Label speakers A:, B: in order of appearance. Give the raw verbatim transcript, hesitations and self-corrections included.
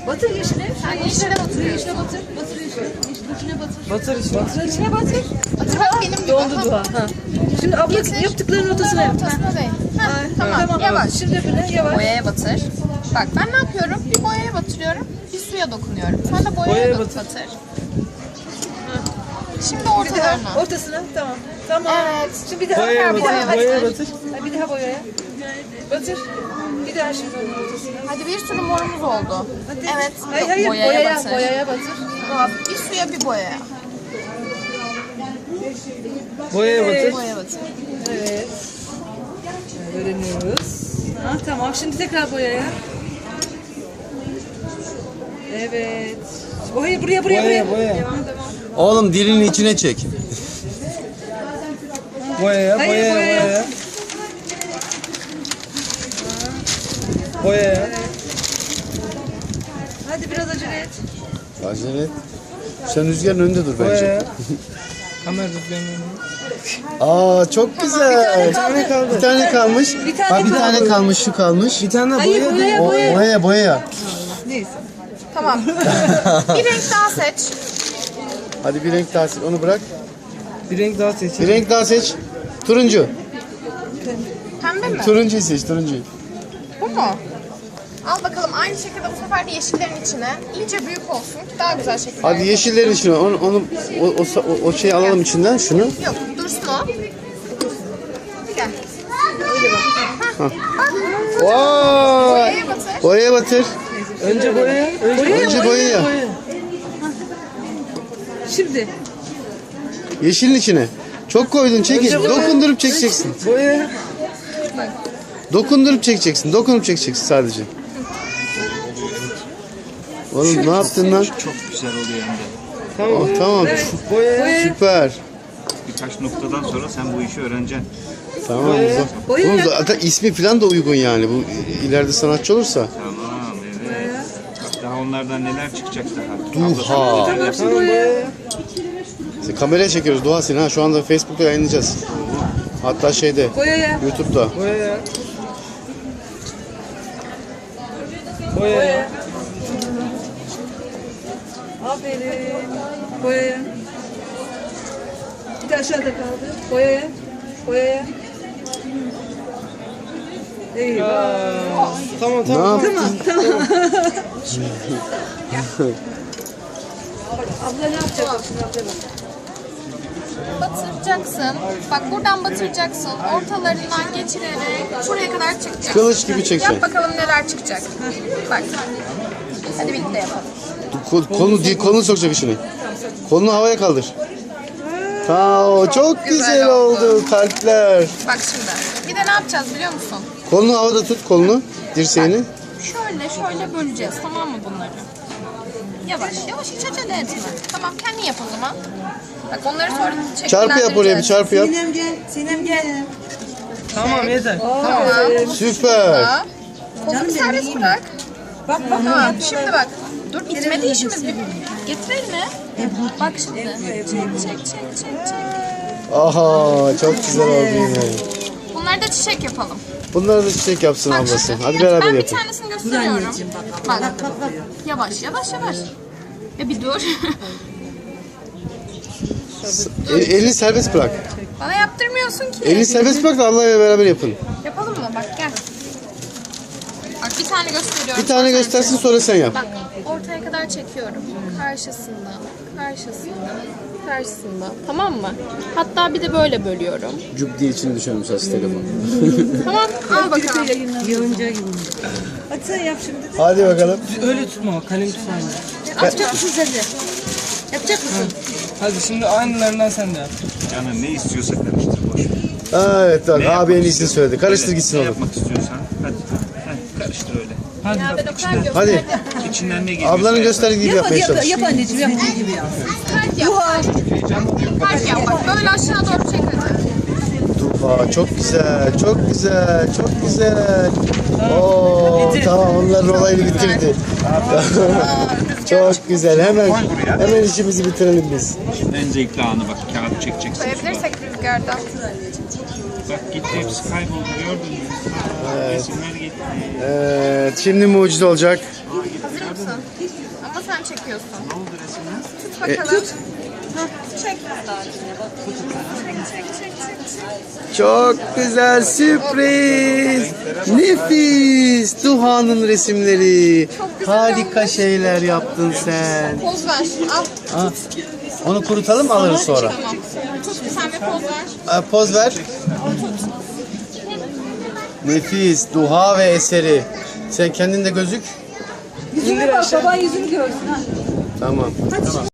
A: Batır yeşile. Sen yeşile batır. Yeşile batır. Batır yeşile. Yeşil içine batır.
B: Batır işte.
A: Batır içine batır.
C: Batır bak benim gibi.
A: Doldu Duha. Ha. Şimdi abla
C: Getir.
A: yaptıklarının ortasına yap.
C: Ortasına değil. Ha,
A: Ay,
C: tamam,
A: tamam.
C: yavaş.
A: Şimdi böyle yavaş.
C: Boyaya batır. Bak ben ne yapıyorum? Bir boyaya batırıyorum, bir suya dokunuyorum. Sen de boyaya,
B: Boyaya
C: batır.
B: batır.
C: Şimdi
A: Bir daha
C: ortalarına.
A: ortasına. Tamam. Tamam.
C: Evet.
A: Şimdi bir daha.
B: Boyaya
A: bir
B: batır,
A: daha
B: boyaya batır.
A: Ha, bir daha boyaya. Batır. Bir daha şimdi onun ortasına.
C: Hadi bir sürü morumuz oldu.
A: Hadi.
C: Evet.
A: Hayır hayır.
C: Boyaya,
A: Boyaya,
C: batır.
A: boyaya batır.
C: Bir suya bir boyaya.
B: Boyaya batır.
C: Boyaya batır.
A: Evet. Öğreniyoruz. Ha, tamam. Şimdi tekrar boyaya. Evet. Boya buraya buraya buraya.
B: Boyaya, boyaya.
A: Devam devam.
D: Oğlum dilini içine çek.
B: Boyaya,
A: Hayır,
B: boyaya,
A: boyaya.
B: boyaya. Boyaya.
A: Hadi biraz acele et.
D: Acele et. Sen rüzgarın önünde dur bence.
B: Boyaya. Kamera rüzgarının.
D: Aa çok güzel.
B: Bir tane kaldı.
D: Bir tane kalmış.
A: Bir tane
D: Bak bir
A: kaldı.
D: tane kalmış, şu kalmış.
B: Bir tane
A: Hayır
B: boya.
A: boyaya
D: O,
A: boyaya.
D: boyaya boyaya.
A: Neyse.
C: Tamam. Bir renk daha seç.
D: Hadi bir renk daha seç. Onu bırak.
B: Bir renk daha
D: Bir
B: seçelim.
D: renk daha seç. Turuncu.
C: Pembe mi?
D: Turuncuyu seç, turuncuyu.
C: Bu mu? Al bakalım aynı şekilde bu sefer de yeşillerin içine. İyice büyük olsun ki daha güzel şekiller.
D: Hadi yeşillerin içine. Onu, onu o, o, o, o şeyi alalım içinden şunu.
C: Yok dursun o. Gel.
D: Vay.
C: Boyaya batır.
D: Boyaya batır.
B: Önce boyaya. Önce
D: Önce boyaya.
A: Şimdi.
D: Yeşilin içine. Çok koydun, çekil. Dokundurup çekeceksin.
B: boyaya.
D: Dokunup çekeceksin. Dokunup çekeceksin sadece. Oğlum ne yaptın lan?
E: Çok güzel oluyor hem de.
B: Tamam.
D: Oh, tamam.
B: Boyaya.
D: Süper.
E: Birkaç noktadan sonra sen bu işi öğreneceksin.
D: Tamam. güzel.
A: Boya
D: Oğlum
A: yap.
D: zaten ismi falan da uygun yani. Bu ileride sanatçı olursa.
E: Tamam, evet. Bak daha onlardan neler çıkacak daha.
D: Duha.
B: Tamam boyaya.
D: Sen kameraya çekiyoruz Duha seni ha. Şu anda Facebook'ta yayınlayacağız. Hatta şeyde.
A: Boyaya.
D: YouTube'da.
B: Boyaya. Boyaya.
A: Aferin. Boyaya. Bir de aşağıda kaldı. Boyaya. Boyaya. Eyvah.
B: Aa, Tamam
D: Ne
B: tamam.
D: yaptın?
A: Abla ne yapacak? Şimdi abla bak.
C: Batıracaksın. Bak buradan batıracaksın. Ortalarından geçirerek şuraya kadar çıkacak.
D: Kılıç gibi çekeceksin.
C: Yap bakalım neler çıkacak. Bak. Hadi birlikte yapalım.
D: Kol, kolunu, değil, kolunu sokacak içine. Kolunu havaya kaldır. Tamam. Çok,
C: Çok
D: güzel,
C: güzel
D: oldu.
C: oldu.
D: Kalpler.
C: Bak şimdi. Bir de ne yapacağız biliyor musun?
D: Kolunu havada tut kolunu. Dirseğini.
C: Şöyle şöyle böleceğiz tamam mı bunları? Yavaş yavaş hiç acele etme. Tamam kendin yap o zaman. Bak onları sonra
D: Çarpı yap oraya bir çarpı yap.
A: Sinem gel. Sinem gel.
B: Tamam yeter.
C: Tamam.
D: Süper.
C: Daha. Kolunu serbest bırak.
A: Bak bak.
C: Tamam şimdi bak. Dur bitmedi işimiz. Bir getir elini. Bak şimdi. Çek çek çek çek çek.
D: Aha çok güzel oldu yine.
C: Bunları da çiçek yapalım.
D: Bunları da çiçek yapsın
C: Bak
D: ablası.
C: şimdi.
D: Hadi beraber
C: Ben bir
D: yapın.
C: tanesini gösteriyorum. Bak. Yavaş yavaş yavaş. Ya bir dur.
D: El, elini serbest bırak.
C: Bana yaptırmıyorsun ki.
D: Elini serbest bırak da Allah'la beraber yapın.
C: Yapalım mı? Bak gel. Bak bir tane gösteriyorum.
D: Bir tane göstersin sonra sen yap.
C: Bak ortaya kadar çekiyorum. Karşısında, karşısında, karşısında. Tamam mı? Hatta bir de böyle bölüyorum.
D: Cüp diye içini düşürmüş aslında telefon.
C: Tamam al bakalım.
A: Yığınca gibi. Hadi sen yap şimdi.
D: Hadi bakalım.
B: Öyle tutma. Kalem tutma.
A: Yapacak mısın sen de? Yapacak mısın?
B: Hadi şimdi aynılarından sen de yap.
E: Canın ne istiyorsa karıştır boş ver.
D: Ha, evet bak
E: Ne
D: abi en
E: yapmak
D: iyisini
E: istiyorsan,
D: söyledi. Karıştır
E: öyle,
D: gitsin
E: ne
D: oğlum.
E: yapmak istiyorsan hadi. Hadi karıştır öyle.
B: Hadi.
C: Ya ben o kadar gösterdim.
D: Hadi.
E: İçinden ne geliyorsa
D: Ablanın
E: yap.
D: gösterdiği gibi
A: Yap hadi
D: yapmaya
A: yap,
D: çalış.
A: yap anneciğim yaptığı gibi yap.
C: Kalp yap. Kalp yap. Bak böyle aşağı doğru çek hadi.
D: Duha çok güzel, çok güzel, çok güzel. Oo tamam onların olayını bitirdi. Çok güzel. Hemen hemen işimizi bitirelim biz.
E: Şimdi en zevkli anı bak kağıdı çekeceksin.
C: Koyabilirsek rüzgardan.
E: Bak gitti hepsi kayboldu gördün mü? Resimler gitti.
D: Evet, şimdi mucize olacak.
C: Hazır mısın? Ama sen çekiyorsun.
E: Ne oldu resimler?
C: Tut bakalım. Hah, çek. Çek, çek, çek, çek, çek.
D: Çok güzel sürpriz. Nefis. Duhan'ın resimleri.
C: Çok güzel
D: Harika
C: olmuş.
D: şeyler yaptın sen.
C: Poz ver. Al.
D: Ha. Onu kurutalım alırız sonra.
C: Tamam. Tut sen bir poz ver.
D: Ha, poz ver. Nefis. Duha ve eseri. Sen kendin de gözük.
A: Yüzüne bak, baban yüzünü görsün ha.
D: Tamam.